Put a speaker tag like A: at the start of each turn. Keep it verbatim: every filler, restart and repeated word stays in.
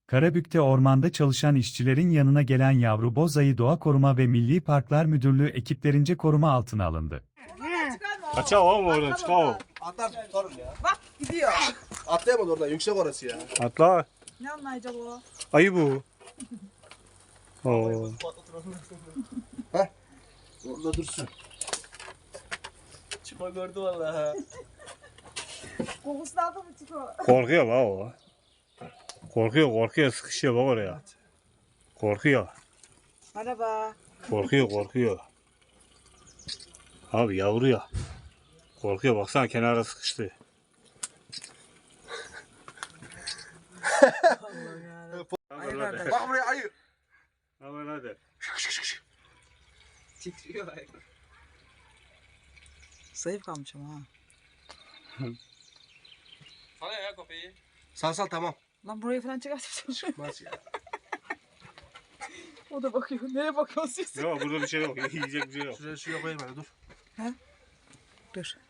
A: Karabük'te ormanda çalışan işçilerin yanına gelen yavru bozayı Doğa Koruma ve Milli Parklar Müdürlüğü ekiplerince koruma altına alındı.
B: Kaça oğlum oradan çıkalım.
C: Atlar tutarım ya.
D: Bak gidiyor.
C: Atlayamadı oradan yüksek orası ya.
B: Atla.
D: Ne anlayacak o?
B: Ayı bu. Oo.
C: Heh. Orada dursun.
E: Çıkma gördü vallahi.
D: Kokusunu aldı mı çıkıyor?
B: Korkuyor bak o. Korkuyor korkuyor sıkışıyor bak oraya. Korkuyor.
D: Merhaba.
B: Korkuyor korkuyor. Abi yavru ya. Korkuyor baksana kenara sıkıştı.
D: Ay kardeş.
C: Bak buraya ayı.
B: Hemen hadi.
E: Titriyor ay.
D: Zayıf kalmış ama ha.
E: Sana ya kafayı.
C: Sal sal tamam.
D: Lan burayı falan çıkartmışsın.
C: Nasıl ya?
D: O da bakıyor. Nereye bakıyorsun siz?
B: Yok burada bir şey yok. Yiyecek bir şey yok.
C: Şuraya şuraya koyayım hadi dur.
D: Dur.